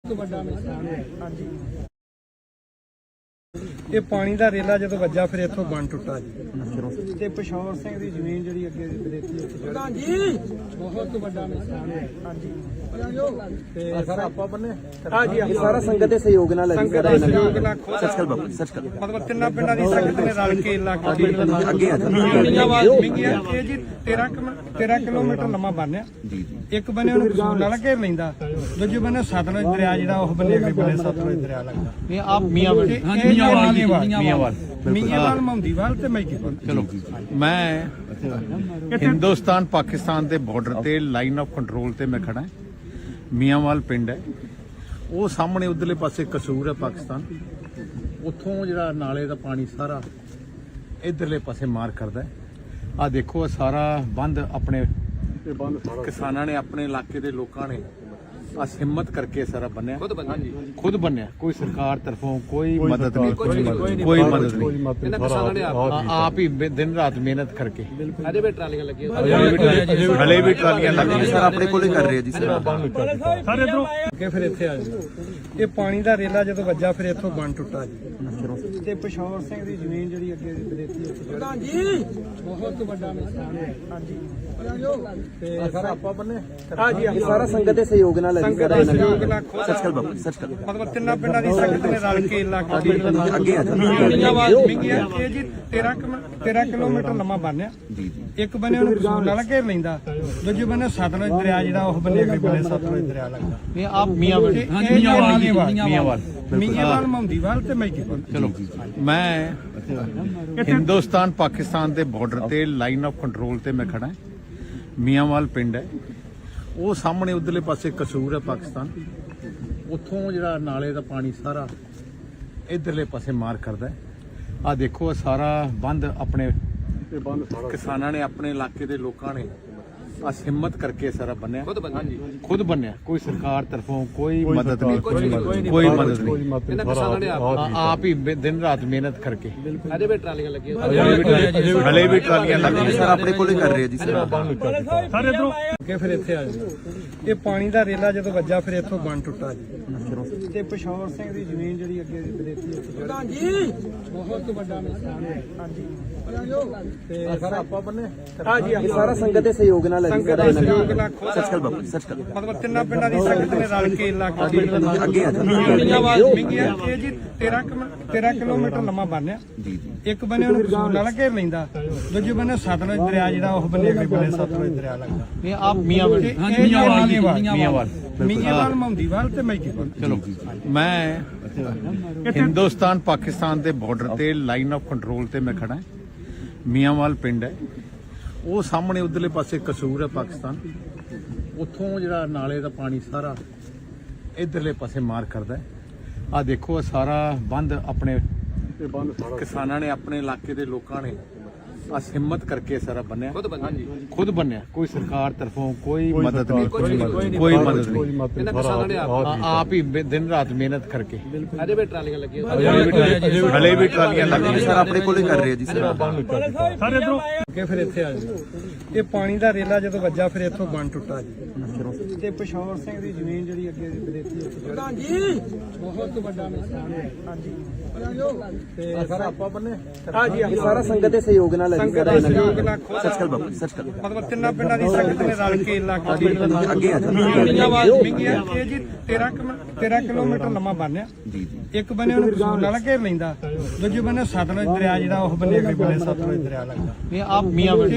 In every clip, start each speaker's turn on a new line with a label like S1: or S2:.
S1: ਵੱਡਾ ਨੁਕਸਾਨ ਹੈ। ਹਾਂਜੀ, ਇਹ ਪਾਣੀ ਦਾ ਰੇਲਾ ਜਦੋਂ ਵੱਜਾ ਫਿਰ ਇੱਥੋਂ ਬੰਨ ਟੁੱਟਾ ਜੀ ਤੇ ਪਸ਼ੌਰ ਸਿੰਘ ਦੀ ਜ਼ਮੀਨ ਜਿਹੜੀ ਅੱਗੇ ਬਰੇਤੀ ਉੱਥੇ ਬਹੁਤ ਵੱਡਾ ਨੁਕਸਾਨ ਹੈ। ਹਾਂਜੀ ਤੇ ਸਾਰਾ ਆਪਾਂ ਬੰਨੇ
S2: ਇਹ ਸਾਰਾ ਸੰਗਤ ਦੇ ਸਹਿਯੋਗ ਨਾਲ
S1: ਸੰਗਤ ਦੇ ਸਹਿਯੋਗ ਨਾਲ
S2: ਸੱਚ ਕਰ ਬਾਬੂ ਸੱਚ ਕਰ
S1: ਮਤਲਬ ਤਿੰਨਾਂ ਪਿੰਡਾਂ ਦੀ ਸੰਗਤ ਨੇ ਰਲ ਕੇ ਇਲਾਕੇ
S2: ਅੱਗੇ
S1: ਮੀਂਗੀਆਂ ਇਹ ਜੀ 13 ਕਿਲੋਮੀਟਰ ਲੰਮਾ ਬੰਨਿਆ। ਇੱਕ ਬੰਨੇ ਉਹਨੂੰ ਕਸੂਰ ਨਾਲ ਘੇਰ ਲੈਂਦਾ, ਦੂਜੇ ਬੰਨੇ ਸਤਲੁਜ ਦਰਿਆ ਜਿਹੜਾ ਉਹ ਬੰਨੇ ਅਗਲੇ ਬੰਨੇ ਸਤਲੁਜ ਦਰਿਆ ਲੱਗਦਾ।
S3: ਇਹ ਆਪ ਮੀਆਂਵਾਲ
S1: ਮੀਆਂਵਾਲ ਮੌਂਦੀਵਾਲ ਤੇ ਮੈਕੀਪੁਰ।
S3: ਚਲੋ ਮੈਂ ਹਿੰਦੁਸਤਾਨ ਪਾਕਿਸਤਾਨ ਦੇ ਬਾਰਡਰ ਤੇ ਲਾਈਨ ਆਫ ਕੰਟਰੋਲ ਤੇ ਮੈਂ ਖੜਾ। ਮੀਆਂਵਾਲ ਪਿੰਡ ਹੈ, ਉਹ ਸਾਹਮਣੇ ਉਧਰਲੇ ਪਾਸੇ ਕਸੂਰ ਹੈ ਪਾਕਿਸਤਾਨ, ਉੱਥੋਂ ਜਿਹੜਾ ਨਾਲੇ ਦਾ ਪਾਣੀ ਸਾਰਾ ਇਧਰਲੇ ਪਾਸੇ ਮਾਰ ਕਰਦਾ। ਆ ਦੇਖੋ, ਸਾਰਾ ਬੰਦ ਆਪਣੇ ਕਿਸਾਨਾਂ ਨੇ, ਆਪਣੇ ਇਲਾਕੇ ਦੇ ਲੋਕਾਂ ਨੇ ਆ ਹਿੰਮਤ ਕਰਕੇ ਸਾਰਾ ਬੰਨਿਆ, ਖੁਦ ਬੰਨਿਆ। ਕੋਈ ਸਰਕਾਰ ਤਰਫੋਂ ਕੋਈ ਮਦਦ ਨਹੀਂ, ਕੋਈ ਮਦਦ ਨਹੀਂ। ਆਪ ਹੀ ਦਿਨ ਰਾਤ ਮਿਹਨਤ ਕਰਕੇ
S2: ਹਲੇ ਵੀ ਟਰਾਲੀਆਂ ਲੱਗੀਆਂ,
S3: ਹਲੇ ਵੀ ਟਰਾਲੀਆਂ ਲੱਗੀਆਂ।
S2: ਸਰ ਆਪਣੇ ਕੋਲੇ ਕਰ ਰਹੇ ਜੀ
S1: ਸਾਰੇ ਇਧਰੋਂ ਅੱਗੇ ਫਿਰ ਇੱਥੇ ਆ ਜੀ। ਇਹ ਪਾਣੀ ਦਾ ਰੇਲਾ ਜਦੋਂ ਵੱਜਾ ਫਿਰ ਇੱਥੋਂ ਬੰਨ ਟੁੱਟਾ ਜੀ ਤੇ ਪਸ਼ੌਰ ਸਿੰਘ ਦੀ ਜ਼ਮੀਨ ਜਿਹੜੀ ਅੱਗੇ ਬਰੇਤੀ ਉੱਥੇ ਬਹੁਤ ਵੱਡਾ ਨੁਕਸਾਨ ਹੈ। ਹਾਂਜੀ ਤੇ ਸਾਰਾ ਆਪਾਂ ਬੰਨੇ
S2: ਇਹ ਸਾਰਾ ਸੰਗਤ ਦੇ ਸਹਿਯੋਗ ਨਾਲ
S1: ਸੰਗਤ ਦੇ ਸਹਿਯੋਗ ਨਾਲ
S2: ਸੱਚ ਕਰ ਬਾਬੂ ਸੱਚ ਕਰ
S1: ਮਤਲਬ ਤਿੰਨਾਂ ਪਿੰਡਾਂ ਦੀ ਸੰਗਤ ਨੇ ਰਲ ਕੇ ਇਲਾਕੇ
S2: ਅੱਗੇ
S1: ਮੀਂਗੀਆਂ ਇਹ ਜੀ 13 ਕਿਲੋਮੀਟਰ ਲੰਮਾ ਬੰਨਿਆ। ਇੱਕ ਬੰਨੇ ਉਹਨੂੰ ਕਸੂਰ ਨਾਲ ਘੇਰ ਲੈਂਦਾ, ਦੂਜੇ ਬੰਨੇ ਸਤਲੁਜ ਦਰਿਆ ਜਿਹੜਾ ਉਹ ਬੰਨੇ ਅਗਲੇ ਬੰਨੇ ਸਤਲੁਜ ਦਰਿਆ ਲੱਗਦਾ।
S3: ਇਹ ਆਪ ਮੀਆਂਵਾਲ
S1: ਮੀਆਂਵਾਲ ਮੌਂਦੀਵਾਲ ਤੇ ਮੈਕੀਪੁਰ।
S3: ਚਲੋ ਮੈਂ ਹਿੰਦੁਸਤਾਨ ਪਾਕਿਸਤਾਨ ਦੇ ਬਾਰਡਰ ਤੇ ਲਾਈਨ ਆਫ ਕੰਟਰੋਲ ਤੇ ਮੈਂ ਖੜਾ। ਮੀਆਂਵਾਲ ਪਿੰਡ ਹੈ, ਉਹ ਸਾਹਮਣੇ ਉਧਰਲੇ ਪਾਸੇ ਕਸੂਰ ਹੈ ਪਾਕਿਸਤਾਨ, ਉੱਥੋਂ ਜਿਹੜਾ ਨਾਲੇ ਦਾ ਪਾਣੀ ਸਾਰਾ ਇਧਰਲੇ ਪਾਸੇ ਮਾਰ ਕਰਦਾ। ਆ ਦੇਖੋ, ਸਾਰਾ ਬੰਦ ਆਪਣੇ ਕਿਸਾਨਾਂ ਨੇ, ਆਪਣੇ ਇਲਾਕੇ ਦੇ ਲੋਕਾਂ ਨੇ ਆ ਹਿੰਮਤ ਕਰਕੇ ਸਾਰਾ ਬੰਨਿਆ, ਖੁਦ ਬੰਨਿਆ। ਕੋਈ ਸਰਕਾਰ ਤਰਫੋਂ ਕੋਈ ਮਦਦ ਨਹੀਂ, ਕੋਈ ਮਦਦ ਨਹੀਂ। ਆਪ ਹੀ ਦਿਨ ਰਾਤ ਮਿਹਨਤ ਕਰਕੇ
S2: ਹਲੇ ਵੀ ਟਰਾਲੀਆਂ ਲੱਗੀਆਂ,
S3: ਹਲੇ ਵੀ ਟਰਾਲੀਆਂ ਲੱਗੀਆਂ।
S2: ਸਰ ਆਪਣੇ ਕੋਲੇ ਕਰ ਰਹੇ ਜੀ
S1: ਸਾਰੇ ਇਧਰੋਂ ਅੱਗੇ ਫਿਰ ਇੱਥੇ ਆ ਜੀ। ਇਹ ਪਾਣੀ ਦਾ ਰੇਲਾ ਜਦੋਂ ਵੱਜਾ ਫਿਰ ਇੱਥੋਂ ਬੰਨ ਟੁੱਟਾ ਜੀ ਤੇ ਪਸ਼ੌਰ ਸਿੰਘ ਦੀ ਜ਼ਮੀਨ ਜਿਹੜੀ ਅੱਗੇ ਬਰੇਤੀ ਉੱਥੇ ਬਹੁਤ ਵੱਡਾ ਨੁਕਸਾਨ ਹੈ। ਹਾਂਜੀ ਤੇ ਸਾਰਾ ਆਪਾਂ ਬੰਨੇ
S2: ਇਹ ਸਾਰਾ ਸੰਗਤ ਦੇ ਸਹਿਯੋਗ ਨਾਲ
S1: ਸੰਗਤ ਦੇ ਸਹਿਯੋਗ ਨਾਲ
S2: ਸੱਚ ਕਰ ਬਾਬੂ ਸੱਚ ਕਰ
S1: ਮਤਲਬ ਤਿੰਨਾਂ ਪਿੰਡਾਂ ਦੀ ਸੰਗਤ ਨੇ ਰਲ ਕੇ ਇਲਾਕੇ
S2: ਅੱਗੇ
S1: ਮੀਂਗੀਆਂ ਇਹ ਜੀ 13 ਕਿਲੋਮੀਟਰ ਲੰਮਾ ਬੰਨਿਆ। ਇੱਕ ਬੰਨੇ ਉਹਨੂੰ ਕਸੂਰ ਨਾਲ ਘੇਰ ਲੈਂਦਾ, ਦੂਜੇ ਬੰਨੇ ਸਤਲੁਜ ਦਰਿਆ ਜਿਹੜਾ ਉਹ ਬੰਨੇ ਅਗਲੇ ਬੰਨੇ ਸਤਲੁਜ ਦਰਿਆ ਲੱਗਦਾ।
S3: ਇਹ ਆਪ ਮੀਆਂਵਾਲ
S1: ਮੀਆਂਵਾਲ ਮੌਂਦੀਵਾਲ ਤੇ ਮੈਕੀਪੁਰ।
S3: ਚਲੋ ਮੈਂ ਹਿੰਦੁਸਤਾਨ ਪਾਕਿਸਤਾਨ ਦੇ ਬਾਰਡਰ ਤੇ ਲਾਈਨ ਆਫ ਕੰਟਰੋਲ ਤੇ ਮੈਂ ਖੜਾ। ਮੀਆਂਵਾਲ ਪਿੰਡ ਹੈ, ਉਹ ਸਾਹਮਣੇ ਉਧਰਲੇ ਪਾਸੇ ਕਸੂਰ ਹੈ ਪਾਕਿਸਤਾਨ, ਉੱਥੋਂ ਜਿਹੜਾ ਨਾਲੇ ਦਾ ਪਾਣੀ ਸਾਰਾ ਇਧਰਲੇ ਪਾਸੇ ਮਾਰ ਕਰਦਾ। ਆ ਦੇਖੋ, ਸਾਰਾ ਬੰਦ ਆਪਣੇ ਕਿਸਾਨਾਂ ਨੇ, ਆਪਣੇ ਇਲਾਕੇ ਦੇ ਲੋਕਾਂ ਨੇ ਆ ਹਿੰਮਤ ਕਰਕੇ ਸਾਰਾ ਬੰਨਿਆ, ਖੁਦ ਬੰਨਿਆ। ਕੋਈ ਸਰਕਾਰ ਤਰਫੋਂ ਕੋਈ ਮਦਦ ਨਹੀਂ, ਕੋਈ ਮਦਦ ਨਹੀਂ। ਆਪ ਹੀ ਦਿਨ ਰਾਤ ਮਿਹਨਤ ਕਰਕੇ
S2: ਹਲੇ ਵੀ ਟਰਾਲੀਆਂ ਲੱਗੀਆਂ,
S3: ਹਲੇ ਵੀ ਟਰਾਲੀਆਂ ਲੱਗੀਆਂ।
S2: ਸਰ ਆਪਣੇ ਕੋਲੇ ਕਰ ਰਹੇ ਜੀ
S1: ਸਾਰੇ ਇਧਰੋਂ ਅੱਗੇ ਫਿਰ ਇੱਥੇ ਆ ਜੀ। ਇਹ ਪਾਣੀ ਦਾ ਰੇਲਾ ਜਦੋਂ ਵੱਜਾ ਫਿਰ ਇੱਥੋਂ ਬੰਨ ਟੁੱਟਾ ਜੀ ਤੇ ਪਸ਼ੌਰ ਸਿੰਘ ਦੀ ਜ਼ਮੀਨ ਜਿਹੜੀ ਅੱਗੇ ਬਰੇਤੀ ਉੱਥੇ ਬਹੁਤ ਵੱਡਾ ਨੁਕਸਾਨ ਹੈ। ਹਾਂਜੀ ਤੇ ਸਾਰਾ ਆਪਾਂ ਬੰਨੇ
S2: ਇਹ ਸਾਰਾ ਸੰਗਤ ਦੇ ਸਹਿਯੋਗ ਨਾਲ
S1: ਸੰਗਤ ਦੇ ਸਹਿਯੋਗ ਨਾਲ
S2: ਸੱਚ ਕਰ ਬਾਬੂ ਸੱਚ ਕਰ
S1: ਮਤਲਬ ਤਿੰਨਾਂ ਪਿੰਡਾਂ ਦੀ ਸੰਗਤ ਨੇ ਰਲ ਕੇ ਇਲਾਕੇ
S2: ਅੱਗੇ
S1: ਮੀਂਗੀਆਂ ਇਹ ਜੀ 13 ਕਿਲੋਮੀਟਰ ਲੰਮਾ ਬੰਨਿਆ। ਇੱਕ ਬੰਨੇ ਉਹਨੂੰ ਕਸੂਰ ਨਾਲ ਘੇਰ ਲੈਂਦਾ, ਦੂਜੇ ਬੰਨੇ ਸਤਲੁਜ ਦਰਿਆ ਜਿਹੜਾ ਉਹ ਬੰਨੇ ਅਗਲੇ ਬੰਨੇ ਸਤਲੁਜ ਦਰਿਆ ਲੱਗਦਾ।
S3: ਇਹ ਆਪ ਮੀਆਂਵਾਲ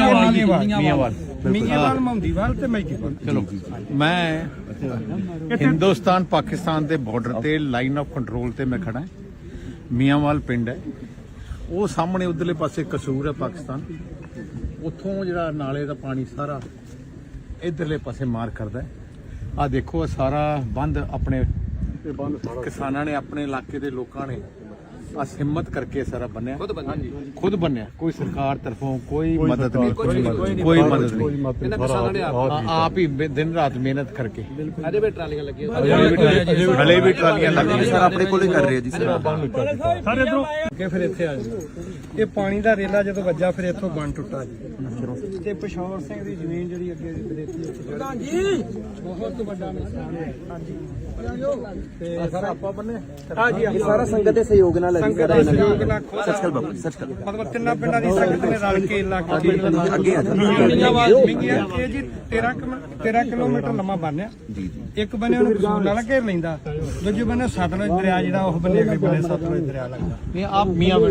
S1: ਮੀਆਂਵਾਲ ਮੌਂਦੀਵਾਲ ਤੇ ਮੈਕੀਪੁਰ।
S3: ਚਲੋ ਮੈਂ ਹਿੰਦੁਸਤਾਨ ਪਾਕਿਸਤਾਨ ਦੇ ਬਾਰਡਰ ਤੇ ਲਾਈਨ ਆਫ ਕੰਟਰੋਲ ਤੇ ਮੈਂ ਖੜਾ। ਮੀਆਂਵਾਲ ਪਿੰਡ ਹੈ, ਉਹ ਸਾਹਮਣੇ ਉਧਰਲੇ ਪਾਸੇ ਕਸੂਰ ਹੈ ਪਾਕਿਸਤਾਨ, ਉੱਥੋਂ ਜਿਹੜਾ ਨਾਲੇ ਦਾ ਪਾਣੀ ਸਾਰਾ ਇਧਰਲੇ ਪਾਸੇ ਮਾਰ ਕਰਦਾ। ਆ ਦੇਖੋ, ਸਾਰਾ ਬੰਦ ਆਪਣੇ ਕਿਸਾਨਾਂ ਨੇ, ਆਪਣੇ ਇਲਾਕੇ ਦੇ ਲੋਕਾਂ ਨੇ ਆ ਹਿੰਮਤ ਕਰਕੇ ਸਾਰਾ ਬੰਨਿਆ, ਖੁਦ ਬੰਨਿਆ। ਕੋਈ ਸਰਕਾਰ ਤਰਫੋਂ ਕੋਈ ਮਦਦ ਨਹੀਂ, ਕੋਈ ਮਦਦ ਨਹੀਂ। ਆਪ ਹੀ ਦਿਨ ਰਾਤ ਮਿਹਨਤ ਕਰਕੇ
S2: ਹਲੇ ਵੀ ਟਰਾਲੀਆਂ ਲੱਗੀਆਂ,
S3: ਹਲੇ ਵੀ ਟਰਾਲੀਆਂ ਲੱਗੀਆਂ।
S2: ਸਰ ਆਪਣੇ ਕੋਲੇ ਕਰ ਰਹੇ ਜੀ
S1: ਸਾਰੇ ਇਧਰੋਂ ਅੱਗੇ ਫਿਰ ਇੱਥੇ ਆ ਜੀ। ਇਹ ਪਾਣੀ ਦਾ ਰੇਲਾ ਜਦੋਂ ਵੱਜਾ ਫਿਰ ਇੱਥੋਂ ਬੰਨ ਟੁੱਟਾ ਜੀ ਤੇ ਪਸ਼ੌਰ ਸਿੰਘ ਦੀ ਜ਼ਮੀਨ ਜਿਹੜੀ ਅੱਗੇ ਬਰੇਤੀ ਉੱਥੇ ਪ੍ਰਧਾਨ ਜੀ ਬਹੁਤ ਵੱਡਾ ਨੁਕਸਾਨ ਹੈ। ਹਾਂਜੀ ਤੇ ਸਾਰਾ ਆਪਾਂ ਬੰਨੇ ਹਾਂਜੀ
S2: ਇਹ ਸਾਰਾ ਸੰਗਤ ਦੇ ਸਹਿਯੋਗ ਨਾਲ ਹੈ ਜੀ,
S1: ਸੰਗਤ
S2: ਸਾਰਾ
S1: ਦੇ
S2: ਇਹਨਾਂ ਦਾ।
S1: ਸਹਿਯੋਗ ਨਾਲ
S2: ਸੱਚ ਕਰ ਬਾਬੂ, ਸੱਚ ਕਰ।
S1: ਮਤਲਬ ਤਿੰਨਾਂ ਪਿੰਡਾਂ ਦੀ ਸੰਗਤ ਨੇ ਰਲ ਕੇ ਇਲਾਕਾ
S2: ਅੱਗੇ ਆ ਜਾਓ।
S1: ਮਿੰਗੀਆਂ ਇਹ ਜੀ 13 ਕਿਲੋਮੀਟਰ ਲੰਮਾ ਬੰਨਿਆ। ਇੱਕ ਬੰਨੇ ਉਹਨੂੰ ਕਸੂਰ ਨਾਲ ਘੇਰ ਲੈਂਦਾ, ਦੂਜੇ ਬੰਨੇ ਸਤਲੁਜ ਦਰਿਆ ਜਿਹੜਾ ਉਹ ਬੰਨੇ ਅਗਲੇ ਬੰਨੇ ਸਤਲੁਜ ਦਰਿਆ ਲੱਗਦਾ।
S3: ਨਹੀਂ ਆਪ ਮੀਆਂਵਾਲ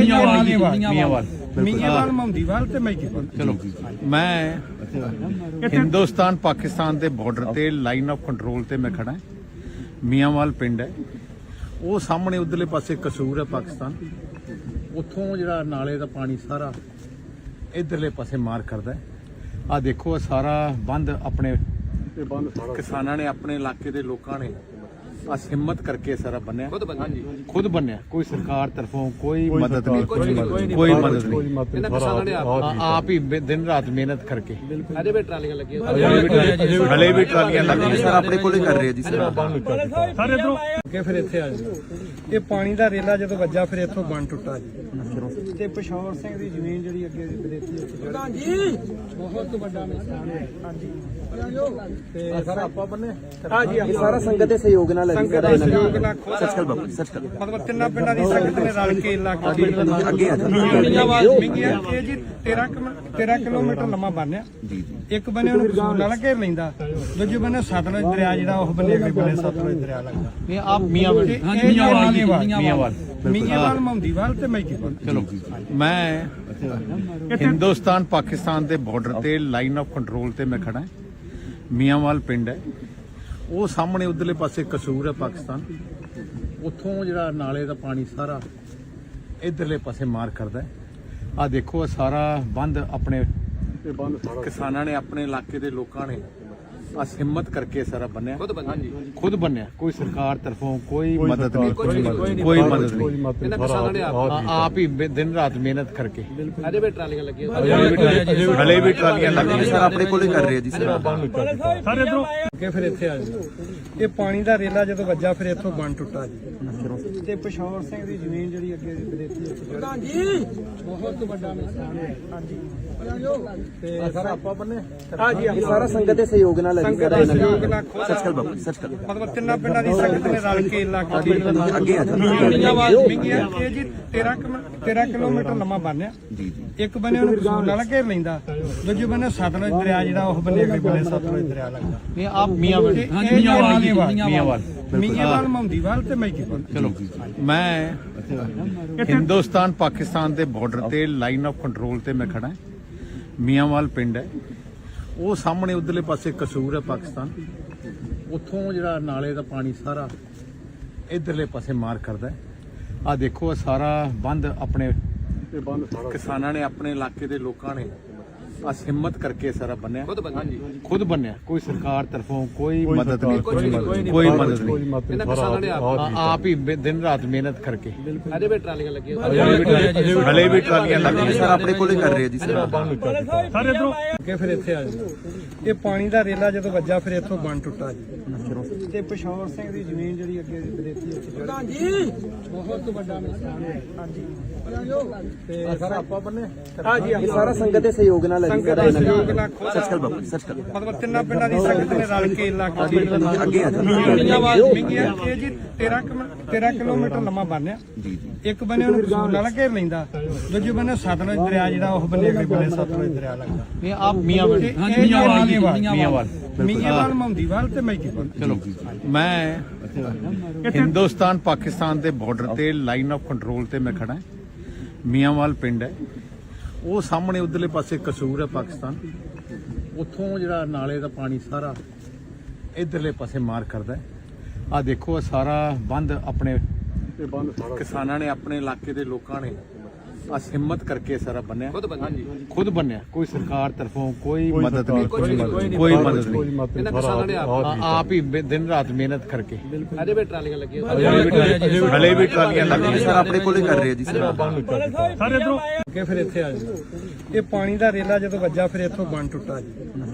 S1: ਮੀਆਂਵਾਲ ਮੌਂਦੀਵਾਲ ਤੇ ਮੈਕੀਪੁਰ।
S3: ਚਲੋ ਮੈਂ ਹਿੰਦੁਸਤਾਨ ਪਾਕਿਸਤਾਨ ਦੇ ਬਾਰਡਰ ਤੇ ਲਾਈਨ ਆਫ ਕੰਟਰੋਲ ਤੇ ਮੈਂ ਖੜਾ ਹਾਂ। ਮੀਆਂਵਾਲ ਪਿੰਡ ਹੈ, ਉਹ ਸਾਹਮਣੇ ਉਧਰਲੇ ਪਾਸੇ ਕਸੂਰ ਹੈ ਪਾਕਿਸਤਾਨ। ਉੱਥੋਂ ਜਿਹੜਾ ਨਾਲੇ ਦਾ ਪਾਣੀ ਸਾਰਾ ਇਧਰਲੇ ਪਾਸੇ ਮਾਰ ਕਰਦਾ ਹੈ। ਆ ਦੇਖੋ, ਇਹ ਸਾਰਾ ਬੰਦ ਆਪਣੇ ਕਿਸਾਨਾਂ ਨੇ, ਆਪਣੇ ਇਲਾਕੇ ਦੇ ਲੋਕਾਂ ਨੇ ਆ ਹਿੰਮਤ ਕਰਕੇ ਸਾਰਾ ਬੰਨਿਆ, ਖੁਦ ਬੰਨਿਆ। ਕੋਈ ਸਰਕਾਰ ਤਰਫੋਂ ਕੋਈ ਮਦਦ ਨਹੀਂ, ਕੋਈ ਮਦਦ ਨਹੀਂ।
S2: ਇਹਨਾਂ ਕਿਸਾਨਾਂ ਨੇ
S3: ਆਪ ਹੀ ਦਿਨ ਰਾਤ ਮਿਹਨਤ ਕਰਕੇ
S2: ਅਜੇ ਵੀ ਟਰਾਲੀਆਂ ਲੱਗੀਆਂ
S3: ਹਲੇ ਵੀ ਟਰਾਲੀਆਂ ਲੱਗੀਆਂ।
S2: ਸਰ ਆਪਣੇ ਕੋਲੇ ਕਰ ਰਹੇ ਆ ਜੀ ਸਰ।
S1: ਸਾਰੇ ਇਧਰੋਂ ਅੱਗੇ ਫਿਰ ਇੱਥੇ ਆ ਜੀ। ਇਹ ਪਾਣੀ ਦਾ ਰੇਲਾ ਜਦੋਂ ਵੱਜਾ ਫਿਰ ਇੱਥੋਂ ਬੰਨ ਟੁੱਟਾ ਜੀ। ਤੇ ਪਸ਼ੌਰ ਸਿੰਘ ਦੀ ਜ਼ਮੀਨ ਜਿਹੜੀ ਅੱਗੇ ਬਰੇਤੀ ਉੱਥੇ ਪ੍ਰਧਾਨ ਜੀ ਬਹੁਤ ਵੱਡਾ ਨੁਕਸਾਨ ਹੈ। ਹਾਂਜੀ ਤੇ ਸਾਰਾ ਆਪਾਂ ਬੰਨੇ ਹਾਂਜੀ
S2: ਇਹ ਸਾਰਾ ਸੰਗਤ ਦੇ ਸਹਿਯੋਗ ਨਾਲ ਹੈ ਜੀ,
S1: ਸੰਗਤ
S2: ਸਾਰਾ
S1: ਦੇ
S2: ਇਹਨਾਂ ਦਾ।
S1: ਸਹਿਯੋਗ ਨਾਲ
S2: ਸੱਚ ਕਰ ਬਾਬੂ, ਸੱਚ ਕਰ।
S1: ਮਤਲਬ ਤਿੰਨਾਂ ਪਿੰਡਾਂ ਦੀ ਸੰਗਤ ਨੇ ਰਲ ਕੇ ਇਲਾਕਾ
S2: ਅੱਗੇ ਆ ਜਾਓ।
S1: ਮਿੰਗੀਆਂ ਇਹ ਜੀ 13 ਕਿਲੋਮੀਟਰ ਲੰਮਾ ਬੰਨਿਆ। ਇੱਕ ਬੰਨੇ ਉਹਨੂੰ ਕਸੂਰ ਨਾਲ ਘੇਰ ਲੈਂਦਾ, ਦੂਜੇ ਬੰਨੇ ਸਤਲੁਜ ਦਰਿਆ ਜਿਹੜਾ ਉਹ ਬੰਨੇ ਅਗਲੇ ਬੰਨੇ ਸਤਲੁਜ ਦਰਿਆ ਲੱਗਦਾ।
S3: ਨਹੀਂ ਆਪ ਮੀਆਂਵਾਲ
S1: ਮੀਆਂਵਾਲ ਮੌਂਦੀਵਾਲ ਤੇ ਮੈਕੀਪੁਰ।
S3: ਚਲੋ ਮੈਂ ਹਿੰਦੁਸਤਾਨ ਪਾਕਿਸਤਾਨ ਦੇ ਬਾਰਡਰ ਤੇ ਲਾਈਨ ਆਫ ਕੰਟਰੋਲ ਤੇ ਮੈਂ ਖੜਾ ਹਾਂ। ਮੀਆਂਵਾਲ ਪਿੰਡ ਹੈ, ਉਹ ਸਾਹਮਣੇ ਉਧਰਲੇ ਪਾਸੇ ਕਸੂਰ ਹੈ ਪਾਕਿਸਤਾਨ। ਉੱਥੋਂ ਜਿਹੜਾ ਨਾਲੇ ਦਾ ਪਾਣੀ ਸਾਰਾ ਇਧਰਲੇ ਪਾਸੇ ਮਾਰ ਕਰਦਾ ਹੈ। ਆ ਦੇਖੋ, ਇਹ ਸਾਰਾ ਬੰਦ ਆਪਣੇ ਕਿਸਾਨਾਂ ਨੇ, ਆਪਣੇ ਇਲਾਕੇ ਦੇ ਲੋਕਾਂ ਨੇ ਆ ਹਿੰਮਤ ਕਰਕੇ ਸਾਰਾ ਬੰਨਿਆ, ਖੁਦ ਬੰਨਿਆ। ਕੋਈ ਸਰਕਾਰ ਤਰਫੋਂ ਕੋਈ ਮਦਦ ਨਹੀਂ, ਕੋਈ ਮਦਦ ਨਹੀਂ।
S2: ਇਹਨਾਂ ਕਿਸਾਨਾਂ ਨੇ
S3: ਆਪ ਹੀ ਦਿਨ ਰਾਤ ਮਿਹਨਤ ਕਰਕੇ
S2: ਅਜੇ ਵੀ ਟਰਾਲੀਆਂ ਲੱਗੀਆਂ
S3: ਹਲੇ ਵੀ ਟਰਾਲੀਆਂ ਲੱਗੀਆਂ।
S2: ਸਰ ਆਪਣੇ ਕੋਲੇ ਕਰ ਰਹੇ ਆ ਜੀ ਸਰ।
S1: ਸਾਰੇ ਇਧਰੋਂ ਅੱਗੇ ਫਿਰ ਇੱਥੇ ਆ ਜੀ। ਇਹ ਪਾਣੀ ਦਾ ਰੇਲਾ ਜਦੋਂ ਵੱਜਾ ਫਿਰ ਇੱਥੋਂ ਬੰਨ ਟੁੱਟਾ ਜੀ। ਤੇ ਪਸ਼ੌਰ ਸਿੰਘ ਦੀ ਜ਼ਮੀਨ ਜਿਹੜੀ ਅੱਗੇ ਬਰੇਤੀ ਉੱਥੇ ਪ੍ਰਧਾਨ ਜੀ ਬਹੁਤ ਵੱਡਾ ਨੁਕਸਾਨ ਹੈ। ਹਾਂਜੀ ਤੇ ਸਾਰਾ ਆਪਾਂ ਬੰਨੇ ਹਾਂਜੀ
S2: ਇਹ ਸਾਰਾ ਸੰਗਤ ਦੇ ਸਹਿਯੋਗ ਨਾਲ ਹੈ ਜੀ,
S1: ਸੰਗਤ
S2: ਸਾਰਾ
S1: ਦੇ
S2: ਇਹਨਾਂ ਦਾ।
S1: ਸਹਿਯੋਗ ਨਾਲ
S2: ਸੱਚ ਕਰ ਬਾਬੂ, ਸੱਚ ਕਰ।
S1: ਮਤਲਬ ਤਿੰਨਾਂ ਪਿੰਡਾਂ ਦੀ ਸੰਗਤ ਨੇ ਰਲ ਕੇ ਇਲਾਕਾ
S2: ਅੱਗੇ ਆ ਜਾਓ।
S1: ਮਿੰਗੀਆਂ ਇਹ ਜੀ 13 ਕਿਲੋਮੀਟਰ ਲੰਮਾ ਬੰਨਿਆ। ਇੱਕ ਬੰਨੇ ਉਹਨੂੰ ਕਸੂਰ ਨਾਲ ਘੇਰ ਲੈਂਦਾ, ਦੂਜੇ ਬੰਨੇ ਸਤਲੁਜ ਦਰਿਆ ਜਿਹੜਾ ਉਹ ਬੰਨੇ ਅਗਲੇ ਬੰਨੇ ਸਤਲੁਜ ਦਰਿਆ ਲੱਗਦਾ।
S3: ਨਹੀਂ ਆਪ ਮੀਆਂਵਾਲ
S1: ਮੀਆਂਵਾਲ ਮੌਂਦੀਵਾਲ ਤੇ ਮੈਕੀਪੁਰ।
S3: ਚਲੋ ਮੈਂ ਹਿੰਦੁਸਤਾਨ ਪਾਕਿਸਤਾਨ ਦੇ ਬਾਰਡਰ ਤੇ ਲਾਈਨ ਆਫ ਕੰਟਰੋਲ ਤੇ ਮੈਂ ਖੜਾ ਹਾਂ। ਮੀਆਂਵਾਲ ਪਿੰਡ ਹੈ, ਉਹ ਸਾਹਮਣੇ ਉਧਰਲੇ ਪਾਸੇ ਕਸੂਰ ਹੈ ਪਾਕਿਸਤਾਨ। ਉੱਥੋਂ ਜਿਹੜਾ ਨਾਲੇ ਦਾ ਪਾਣੀ ਸਾਰਾ ਇਧਰਲੇ ਪਾਸੇ ਮਾਰ ਕਰਦਾ ਹੈ। ਆ ਦੇਖੋ, ਇਹ ਸਾਰਾ ਬੰਦ ਆਪਣੇ ਕਿਸਾਨਾਂ ਨੇ, ਆਪਣੇ ਇਲਾਕੇ ਦੇ ਲੋਕਾਂ ਨੇ ਆ ਹਿੰਮਤ ਕਰਕੇ ਸਾਰਾ ਬੰਨਿਆ, ਖੁਦ ਬੰਨਿਆ। ਕੋਈ ਸਰਕਾਰ ਤਰਫੋਂ ਕੋਈ ਮਦਦ ਨਹੀਂ, ਕੋਈ ਮਦਦ ਨਹੀਂ।
S2: ਇਹਨਾਂ ਕਿਸਾਨਾਂ ਨੇ
S3: ਆਪ ਹੀ ਦਿਨ ਰਾਤ ਮਿਹਨਤ ਕਰਕੇ
S2: ਅਜੇ ਵੀ ਟਰਾਲੀਆਂ ਲੱਗੀਆਂ
S3: ਹਲੇ ਵੀ ਟਰਾਲੀਆਂ ਲੱਗੀਆਂ।
S2: ਸਰ ਆਪਣੇ ਕੋਲੇ ਕਰ ਰਹੇ ਆ ਜੀ ਸਰ।
S1: ਸਾਰੇ ਇਧਰੋਂ ਅੱਗੇ ਫਿਰ ਇੱਥੇ ਆ ਜੀ। ਇਹ ਪਾਣੀ ਦਾ ਰੇਲਾ ਜਦੋਂ ਵੱਜਾ ਫਿਰ ਇੱਥੋਂ ਬੰਨ ਟੁੱਟਾ ਜੀ। ਤੇ ਪਸ਼ੌਰ ਸਿੰਘ ਦੀ ਜ਼ਮੀਨ ਜਿਹੜੀ ਅੱਗੇ ਬਰੇਤੀ ਉੱਥੇ ਪ੍ਰਧਾਨ ਜੀ ਬਹੁਤ ਵੱਡਾ ਨੁਕਸਾਨ ਹੈ। ਹਾਂਜੀ ਤੇ ਸਾਰਾ ਆਪਾਂ ਬੰਨੇ ਹਾਂਜੀ
S2: ਇਹ ਸਾਰਾ ਸੰਗਤ ਦੇ ਸਹਿਯੋਗ ਨਾਲ ਹੈ ਜੀ,
S1: ਸੰਗਤ
S2: ਸਾਰਾ
S1: ਦੇ
S2: ਇਹਨਾਂ
S1: ਸਹਿਯੋਗ
S2: ਦਾ।
S1: ਨਾਲ
S2: ਸੱਚ ਕਰ ਬਾਬੂ, ਸੱਚ ਕਰ।
S1: ਮਤਲਬ ਤਿੰਨਾਂ ਪਿੰਡਾਂ ਦੀ ਸੰਗਤ ਨੇ ਰਲ ਕੇ ਇਲਾਕਾ
S2: ਅੱਗੇ ਆ ਜਾਓ।
S1: ਮਿੰਗੀਆਂ ਇਹ ਜੀ 13 ਕਿਲੋਮੀਟਰ ਲੰਮਾ ਬੰਨਿਆ। ਇੱਕ ਬੰਨੇ ਉਹਨੂੰ ਕਸੂਰ ਨਾਲ ਘੇਰ ਲੈਂਦਾ, ਦੂਜੇ ਬੰਨੇ ਸਤਲੁਜ ਦਰਿਆ ਜਿਹੜਾ ਉਹ ਬੰਨੇ ਅਗਲੇ ਬੰਨੇ ਸਤਲੁਜ ਦਰਿਆ ਲੱਗਦਾ।
S3: ਨਹੀਂ ਆਪ ਮੀਆਂਵਾਲ
S1: ਮੀਆਂਵਾਲ ਮੌਂਦੀਵਾਲ ਤੇ ਮੈਕੀਪੁਰ।
S3: ਚਲੋ ਮੈਂ ਹਿੰਦੁਸਤਾਨ ਪਾਕਿਸਤਾਨ ਦੇ ਬਾਰਡਰ ਤੇ ਲਾਈਨ ਆਫ ਕੰਟਰੋਲ ਤੇ ਮੈਂ ਖੜਾ ਹਾਂ। ਮੀਆਂਵਾਲ ਪਿੰਡ ਹੈ, ਉਹ ਸਾਹਮਣੇ ਉਧਰਲੇ ਪਾਸੇ ਕਸੂਰ ਹੈ ਪਾਕਿਸਤਾਨ। ਉੱਥੋਂ ਜਿਹੜਾ ਨਾਲੇ ਦਾ ਪਾਣੀ ਸਾਰਾ ਇਧਰਲੇ ਪਾਸੇ ਮਾਰ ਕਰਦਾ ਹੈ। ਆ ਦੇਖੋ, ਇਹ ਸਾਰਾ ਬੰਦ ਆਪਣੇ ਕਿਸਾਨਾਂ ਨੇ, ਆਪਣੇ ਇਲਾਕੇ ਦੇ ਲੋਕਾਂ ਨੇ ਆ ਹਿੰਮਤ ਕਰਕੇ ਸਾਰਾ ਬੰਨਿਆ, ਖੁਦ ਬੰਨਿਆ। ਕੋਈ ਸਰਕਾਰ ਤਰਫੋਂ ਕੋਈ ਮਦਦ ਨਹੀਂ, ਕੋਈ ਮਦਦ ਨਹੀਂ।
S2: ਇਹਨਾਂ ਕਿਸਾਨਾਂ ਨੇ
S3: ਆਪ ਹੀ ਦਿਨ ਰਾਤ ਮਿਹਨਤ ਕਰਕੇ
S2: ਅਜੇ ਵੀ ਟਰਾਲੀਆਂ ਲੱਗੀਆਂ
S3: ਹਲੇ ਵੀ ਟਰਾਲੀਆਂ ਲੱਗੀਆਂ।
S2: ਸਰ ਆਪਣੇ ਕੋਲੇ ਕਰ ਰਹੇ ਆ ਜੀ ਸਰ।
S1: ਸਾਰੇ ਇਧਰੋਂ ਅੱਗੇ ਫਿਰ ਇੱਥੇ ਆ ਜੀ। ਇਹ ਪਾਣੀ ਦਾ ਰੇਲਾ ਜਦੋਂ ਵੱਜਾ ਫਿਰ ਇੱਥੋਂ ਬੰਨ ਟੁੱਟਾ ਜੀ।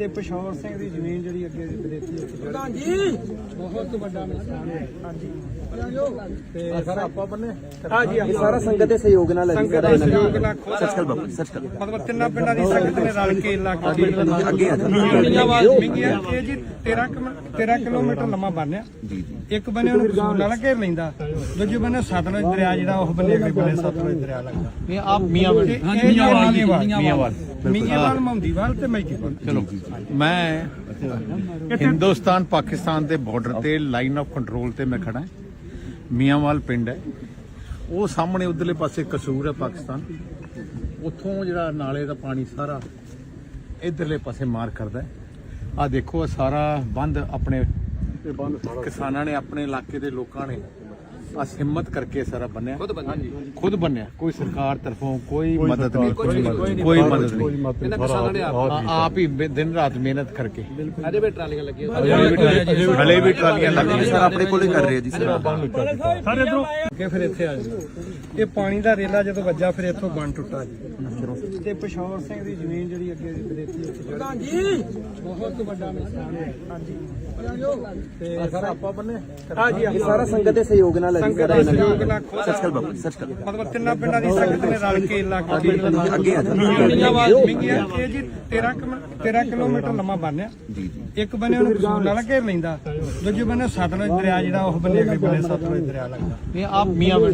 S1: ਤੇ ਪਸ਼ੌਰ ਸਿੰਘ ਦੀ ਜ਼ਮੀਨ ਜਿਹੜੀ ਅੱਗੇ ਬਰੇਤੀ ਪ੍ਰਧਾਨ ਜੀ ਬਹੁਤ ਵੱਡਾ ਨੁਕਸਾਨ ਹੈ। ਹਾਂਜੀ ਤੇ ਸਾਰਾ ਆਪਾਂ ਬੰਨੇ ਹਾਂਜੀ
S2: ਇਹ ਸਾਰਾ ਸੰਗਤ ਦੇ ਸਹਿਯੋਗ ਨਾਲ ਹੈ ਜੀ,
S1: ਸੰਗਤ
S2: ਸਾਰਾ
S1: ਦੇ
S2: ਇਹਨਾਂ
S1: ਸਹਿਯੋਗ
S2: ਦਾ।
S1: ਨਾਲ ਖੁਦ
S2: ਸੱਚ ਕਰ ਬਾਬੂ, ਸੱਚ ਕਰ।
S1: ਮਤਲਬ ਤਿੰਨਾਂ ਪਿੰਡਾਂ ਦੀ ਸੰਗਤ ਨੇ ਰਲ ਕੇ ਇਲਾਕਾ
S2: ਅੱਗੇ ਆ ਜਾਓ।
S1: ਮਿੰਗੀਆਂ ਇਹ ਜੀ 13 ਕਿਲੋਮੀਟਰ ਲੰਮਾ ਬੰਨਿਆ। ਇੱਕ ਬੰਨੇ ਉਹਨੂੰ ਕਸੂਰ ਨਾਲ ਘੇਰ ਲੈਂਦਾ, ਦੂਜੇ ਬੰਨੇ ਸਤਲੁਜ ਦਰਿਆ ਜਿਹੜਾ ਉਹ ਬੰਨੇ ਅਗਲੇ ਬੰਨੇ ਸਤਲੁਜ ਦਰਿਆ ਲੱਗਦਾ।
S3: ਇਹ ਆਪ ਮੀਆਂਵਾਲ
S1: ਮੀਆਂਵਾਲ ਮੌਂਦੀਵਾਲ ਤੇ ਮੈਕੀਪੁਰ।
S3: ਚਲੋ ਮੈਂ ਹਿੰਦੁਸਤਾਨ ਪਾਕਿਸਤਾਨ ਦੇ ਬਾਰਡਰ ਤੇ ਲਾਈਨ ਆਫ ਕੰਟਰੋਲ ਤੇ ਮੈਂ ਖੜਾ ਹਾਂ। ਮੀਆਂਵਾਲ ਪਿੰਡ ਹੈ, ਉਹ ਸਾਹਮਣੇ ਉਧਰਲੇ ਪਾਸੇ ਕਸੂਰ ਹੈ ਪਾਕਿਸਤਾਨ। ਉੱਥੋਂ ਜਿਹੜਾ ਨਾਲੇ ਦਾ ਪਾਣੀ ਸਾਰਾ ਇਧਰਲੇ ਪਾਸੇ ਮਾਰ ਕਰਦਾ ਹੈ। ਆ ਦੇਖੋ, ਇਹ ਸਾਰਾ ਬੰਦ ਆਪਣੇ ਕਿਸਾਨਾਂ ਨੇ, ਆਪਣੇ ਇਲਾਕੇ ਦੇ ਲੋਕਾਂ ਨੇ ਆ ਹਿੰਮਤ ਕਰਕੇ ਸਾਰਾ ਬੰਨਿਆ, ਖੁਦ ਬੰਨਿਆ। ਕੋਈ ਸਰਕਾਰ ਤਰਫੋਂ ਕੋਈ ਮਦਦ ਨਹੀਂ, ਕੋਈ ਮਦਦ ਨਹੀਂ।
S2: ਇਹਨਾਂ ਕਿਸਾਨਾਂ ਨੇ
S3: ਆਪ ਹੀ ਦਿਨ ਰਾਤ ਮਿਹਨਤ ਕਰਕੇ
S2: ਅਜੇ ਵੀ ਟਰਾਲੀਆਂ ਲੱਗੀਆਂ
S3: ਹਲੇ ਵੀ ਟਰਾਲੀਆਂ ਲੱਗੀਆਂ।
S2: ਸਰ ਆਪਣੇ ਕੋਲੇ ਕਰ ਰਹੇ ਆ ਜੀ ਸਰ।
S1: ਸਾਰੇ ਇਧਰੋਂ ਅੱਗੇ ਫਿਰ ਇੱਥੇ ਆ ਜਾਓ। ਇਹ ਪਾਣੀ ਦਾ ਰੇਲਾ ਜਦੋਂ ਵੱਜਾ ਫਿਰ ਇੱਥੋਂ ਬੰਨ ਟੁੱਟਾ ਜੀ। ਤੇ ਪਸ਼ੌਰ ਸਿੰਘ ਦੀ ਜ਼ਮੀਨ ਜਿਹੜੀ ਅੱਗੇ ਬਰੇਤੀ ਪ੍ਰਧਾਨ ਜੀ ਬਹੁਤ ਵੱਡਾ ਨੁਕਸਾਨ ਹੈ। ਹਾਂਜੀ ਤੇ ਸਾਰਾ ਆਪਾਂ ਬੰਨੇ ਹਾਂਜੀ
S2: ਇਹ ਸਾਰਾ ਸੰਗਤ ਦੇ ਸਹਿਯੋਗ ਨਾਲ ਹੈ ਜੀ,
S1: ਸੰਗਤ
S2: ਸਾਰਾ
S1: ਦੇ
S2: ਇਹਨਾਂ
S1: ਸਹਿਯੋਗ
S2: ਦਾ।
S1: ਨਾਲ ਖੁਦ
S2: ਸੱਚ ਕਰ ਬਾਬੂ, ਸੱਚ ਕਰ।
S1: ਮਤਲਬ ਤਿੰਨਾਂ ਪਿੰਡਾਂ ਦੀ ਸੰਗਤ ਨੇ ਰਲ ਕੇ ਇਲਾਕਾ
S2: ਅੱਗੇ ਆ ਜਾਓ।
S1: ਮਿੰਗੀਆਂ ਇਹ ਜੀ 13 ਕਿਲੋਮੀਟਰ ਲੰਮਾ ਬੰਨਿਆ। ਇੱਕ ਬੰਨੇ ਉਹਨੂੰ ਕਸੂਰ ਨਾਲ ਘੇਰ ਲੈਂਦਾ, ਦੂਜੇ ਬੰਨੇ ਸਤਲੁਜ ਦਰਿਆ ਜਿਹੜਾ ਉਹ ਬੰਨੇ ਅਗਲੇ ਬੰਨੇ ਸਤਲੁਜ ਦਰਿਆ ਲੱਗਦਾ।
S3: ਇਹ ਆਪ ਮੀਆਂਵਾਲ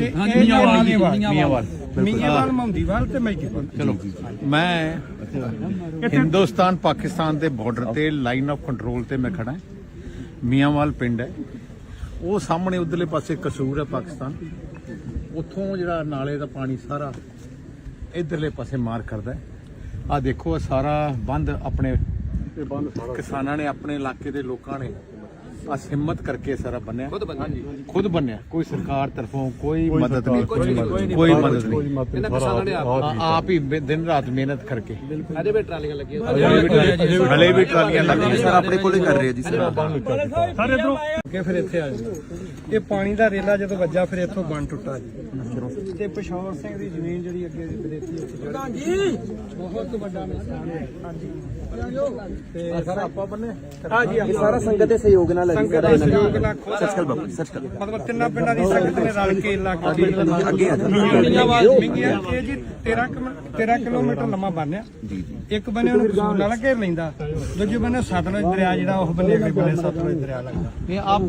S1: ਮੀਆਂਵਾਲ ਮੌਂਦੀਵਾਲ ਤੇ ਮੈਕੀਪੁਰ।
S3: ਚਲੋ ਮੈਂ ਹਿੰਦੁਸਤਾਨ ਪਾਕਿਸਤਾਨ ਦੇ ਬਾਰਡਰ ਤੇ ਲਾਈਨ ਆਫ ਕੰਟਰੋਲ ਤੇ ਮੈਂ ਖੜਾ ਹਾਂ। ਮੀਆਂਵਾਲ ਪਿੰਡ ਹੈ, ਉਹ ਸਾਹਮਣੇ ਉਧਰਲੇ ਪਾਸੇ ਕਸੂਰ ਹੈ ਪਾਕਿਸਤਾਨ। ਉੱਥੋਂ ਜਿਹੜਾ ਨਾਲੇ ਦਾ ਪਾਣੀ ਸਾਰਾ ਇਧਰਲੇ ਪਾਸੇ ਮਾਰ ਕਰਦਾ ਹੈ। ਆ ਦੇਖੋ, ਇਹ ਸਾਰਾ ਬੰਦ ਆਪਣੇ ਕਿਸਾਨਾਂ ਨੇ, ਆਪਣੇ ਇਲਾਕੇ ਦੇ ਲੋਕਾਂ ਨੇ ਆ ਹਿੰਮਤ ਕਰਕੇ ਸਾਰਾ ਬੰਨਿਆ, ਖੁਦ ਬੰਨਿਆ। ਕੋਈ ਸਰਕਾਰ ਤਰਫੋਂ ਕੋਈ ਮਦਦ ਨਹੀਂ, ਕੋਈ ਮਦਦ ਨਹੀਂ।
S2: ਇਹਨਾਂ ਕਿਸਾਨਾਂ ਨੇ
S3: ਆਪ ਹੀ ਦਿਨ ਰਾਤ ਮਿਹਨਤ ਕਰਕੇ
S2: ਅਜੇ ਵੀ ਟਰਾਲੀਆਂ ਲੱਗੀਆਂ
S3: ਹਲੇ ਵੀ ਟਰਾਲੀਆਂ ਲੱਗੀਆਂ।
S2: ਸਰ ਆਪਣੇ ਕੋਲੇ ਕਰ ਰਹੇ ਆ ਜੀ ਸਰ।
S1: ਸਾਰੇ ਇਧਰੋਂ ਅੱਗੇ ਫਿਰ ਇੱਥੇ ਆ ਜਾਓ। ਇਹ ਪਾਣੀ ਦਾ ਰੇਲਾ ਜਦੋਂ ਵੱਜਾ ਫਿਰ ਇੱਥੋਂ ਬੰਨ ਟੁੱਟਾ ਜੀ। ਤੇ ਪਸ਼ੌਰ ਸਿੰਘ ਦੀ ਜ਼ਮੀਨ ਜਿਹੜੀ ਅੱਗੇ ਬਰੇਤੀ ਪ੍ਰਧਾਨ ਜੀ ਬਹੁਤ ਵੱਡਾ ਨੁਕਸਾਨ ਹੈ। ਹਾਂਜੀ ਤੇ ਸਾਰਾ ਆਪਾਂ ਬੰਨੇ ਹਾਂਜੀ
S2: ਇਹ ਸਾਰਾ ਸੰਗਤ ਦੇ ਸਹਿਯੋਗ ਨਾਲ ਹੈ ਜੀ,
S1: ਸੰਗਤ
S2: ਸਾਰਾ
S1: ਦੇ
S2: ਇਹਨਾਂ
S1: ਸਹਿਯੋਗ
S2: ਦਾ।
S1: ਨਾਲ ਖੁਦ
S2: ਸੱਚ ਕਰ ਬਾਬੂ, ਸੱਚ ਕਰ।
S1: ਮਤਲਬ ਤਿੰਨਾਂ ਪਿੰਡਾਂ ਦੀ ਸੰਗਤ ਨੇ ਰਲ ਕੇ ਇਲਾਕਾ
S2: ਅੱਗੇ ਆ ਜਾਓ।
S1: ਮਿੰਗੀਆਂ ਇਹ ਜੀ 13 ਕਿਲੋਮੀਟਰ ਲੰਮਾ ਬੰਨਿਆ। ਇੱਕ ਬੰਨੇ ਉਹਨੂੰ ਕਸੂਰ ਨਾਲ ਘੇਰ ਲੈਂਦਾ, ਦੂਜੇ ਬੰਨੇ ਸਤਲੁਜ ਦਰਿਆ ਜਿਹੜਾ ਉਹ ਬੰਨੇ ਅਗਲੇ ਬੰਨੇ ਸਤਲੁਜ ਦਰਿਆ ਲੱਗਦਾ।
S3: ਇਹ ਆਪ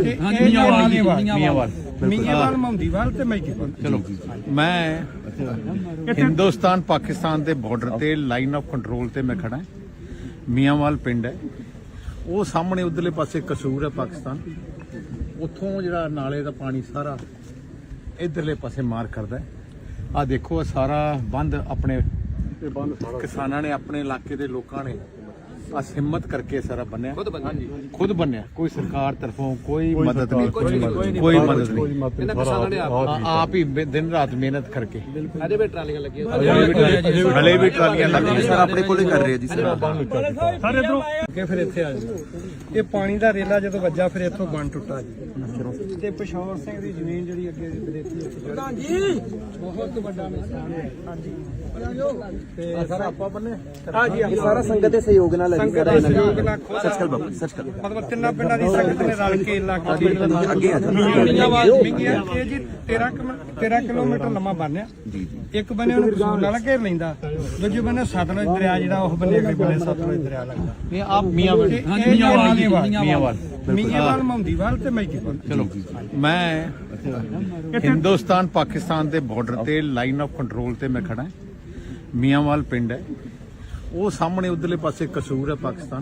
S3: ਮੀਆਂਵਾਲ
S1: ਮੀਆਂਵਾਲ ਮੌਂਦੀਵਾਲ ਤੇ ਮੈਕੀਪੁਰ।
S3: ਚਲੋ ਮੈਂ ਹਿੰਦੁਸਤਾਨ ਪਾਕਿਸਤਾਨ ਦੇ ਬਾਰਡਰ ਤੇ ਲਾਈਨ ਆਫ ਕੰਟਰੋਲ ਤੇ ਮੈਂ ਖੜਾ ਹਾਂ। ਮੀਆਂਵਾਲ ਪਿੰਡ ਹੈ, ਉਹ ਸਾਹਮਣੇ ਉਧਰਲੇ ਪਾਸੇ ਕਸੂਰ ਹੈ ਪਾਕਿਸਤਾਨ। ਉੱਥੋਂ ਜਿਹੜਾ ਨਾਲੇ ਦਾ ਪਾਣੀ ਸਾਰਾ ਇਧਰਲੇ ਪਾਸੇ ਮਾਰ ਕਰਦਾ ਹੈ। ਆ ਦੇਖੋ, ਇਹ ਸਾਰਾ ਬੰਦ ਆਪਣੇ ਕਿਸਾਨਾਂ ਨੇ, ਆਪਣੇ ਇਲਾਕੇ ਦੇ ਲੋਕਾਂ ਨੇ ਆ ਹਿੰਮਤ ਕਰਕੇ ਸਾਰਾ ਬੰਨਿਆ, ਖੁਦ ਬੰਨਿਆ। ਕੋਈ ਸਰਕਾਰ ਤਰਫੋਂ ਕੋਈ ਮਦਦ ਨਹੀਂ, ਕੋਈ ਮਦਦ ਨਹੀਂ।
S2: ਇਹਨਾਂ ਕਿਸਾਨਾਂ ਨੇ
S3: ਆਪ ਹੀ ਦਿਨ ਰਾਤ ਮਿਹਨਤ ਕਰਕੇ
S2: ਅਜੇ ਵੀ ਟਰਾਲੀਆਂ ਲੱਗੀਆਂ
S3: ਹਲੇ ਵੀ ਟਰਾਲੀਆਂ ਲੱਗੀਆਂ।
S2: ਸਰ ਆਪਣੇ ਕੋਲੇ ਕਰ ਰਹੇ ਆ ਜੀ ਸਰ।
S1: ਸਾਰੇ ਇਧਰੋਂ ਅੱਗੇ ਫਿਰ ਇੱਥੇ ਆ ਜਾਓ। ਇਹ ਪਾਣੀ ਦਾ ਰੇਲਾ ਜਦੋਂ ਵੱਜਾ ਫਿਰ ਇੱਥੋਂ ਬੰਨ ਟੁੱਟਾ ਜੀ। ਤੇ ਪਸ਼ੌਰ ਸਿੰਘ ਦੀ ਜ਼ਮੀਨ ਜਿਹੜੀ ਅੱਗੇ ਬਰੇਤੀ ਪ੍ਰਧਾਨ ਜੀ ਬਹੁਤ ਵੱਡਾ ਨੁਕਸਾਨ ਹੈ। ਹਾਂਜੀ ਤੇ ਸਾਰਾ ਆਪਾਂ ਬੰਨੇ ਹਾਂਜੀ
S2: ਇਹ ਸਾਰਾ ਸੰਗਤ ਦੇ ਸਹਿਯੋਗ ਨਾਲ ਹੈ ਜੀ,
S1: ਸੰਗਤ
S2: ਸਾਰਾ
S1: ਦੇ
S2: ਇਹਨਾਂ
S1: ਸਹਿਯੋਗ
S2: ਦਾ।
S1: ਨਾਲ ਖੁਦ
S2: ਸੱਚ ਕਰ ਬਾਬੂ, ਸੱਚ ਕਰ।
S1: ਮਤਲਬ ਤਿੰਨਾਂ ਪਿੰਡਾਂ ਦੀ ਸੰਗਤ ਨੇ ਰਲ ਕੇ ਇਲਾਕਾ
S2: ਅੱਗੇ ਆ ਜਾਓ।
S1: ਮਿੰਗੀਆਂ ਇਹ ਜੀ 13 ਕਿਲੋਮੀਟਰ ਲੰਮਾ ਬੰਨਿਆ। ਇੱਕ ਬੰਨੇ ਉਹਨੂੰ ਕਸੂਰ ਨਾਲ ਘੇਰ ਲੈਂਦਾ, ਦੂਜੇ ਬੰਨੇ ਸਤਲੁਜ ਦਰਿਆ ਜਿਹੜਾ ਉਹ ਬੰਨੇ ਅਗਲੇ ਬੰਨੇ ਸਤਲੁਜ ਦਰਿਆ ਲੱਗਦਾ।
S3: ਇਹ ਆਪ
S1: ਮੀਆਂਵਾਲ ਮੌਂਦੀਵਾਲ ਤੇ ਮੈਕੀਪੁਰ।
S3: ਚਲੋ ਮੈਂ ਹਿੰਦੁਸਤਾਨ ਪਾਕਿਸਤਾਨ ਦੇ ਬਾਰਡਰ ਤੇ ਲਾਈਨ ਆਫ ਕੰਟਰੋਲ ਤੇ ਮੈਂ ਖੜਾ ਹਾਂ। ਮੀਆਂਵਾਲ ਪਿੰਡ ਹੈ, ਉਹ ਸਾਹਮਣੇ ਉਧਰਲੇ ਪਾਸੇ ਕਸੂਰ ਹੈ ਪਾਕਿਸਤਾਨ।